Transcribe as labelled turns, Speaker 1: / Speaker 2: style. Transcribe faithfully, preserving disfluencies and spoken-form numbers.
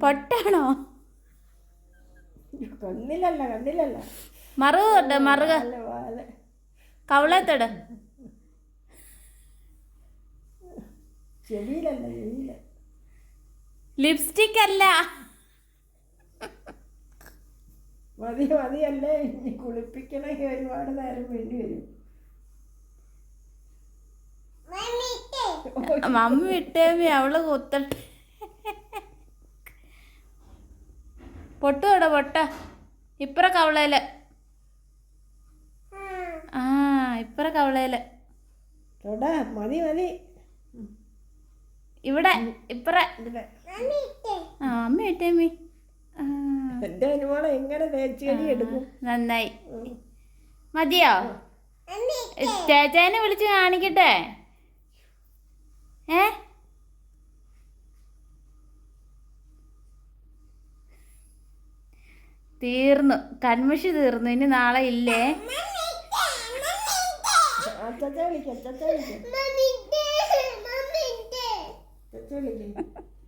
Speaker 1: പൊട്ടാണോ?
Speaker 2: കണ്ണിലല്ല കണ്ണിലല്ല
Speaker 1: മറുകോട്ടെ മറുക കവളത്തോട്
Speaker 2: ചെവിയിലല്ല ചെവിയില.
Speaker 1: Lipstick അല്ല.
Speaker 2: മതി മതിയല്ലേ, ഇനി കുളിപ്പിക്കണമെങ്കിൽ ഒരുപാട് നേരം വേണ്ടി വരും.
Speaker 1: മമ്മി വിട്ടേമി അവള് കുത്തട്ടെ. പൊട്ടുവിടെ പൊട്ട ഇപ്പറ കവളയില്. ആ ഇപ്പറ കവളയില്.
Speaker 2: മതി മതി
Speaker 1: ഇവിടെ ഇപ്പറ. ആ അമ്മ ഇട്ടേമി.
Speaker 2: എന്റെ അനുമോളെ എങ്ങനെ തേച്ചുകടി എടുക്കും.
Speaker 1: നന്നായി. മതിയോ? ചേച്ചേനെ വിളിച്ച് കാണിക്കട്ടെ. ഏ തീർന്നു, കൺമഷി തീർന്നു. ഇനി നാളെ ഇല്ലേ.
Speaker 2: അച്ഛ വിളിക്കാം, അച്ഛ വിളിക്കാം, അച്ഛ വിളിക്കാം.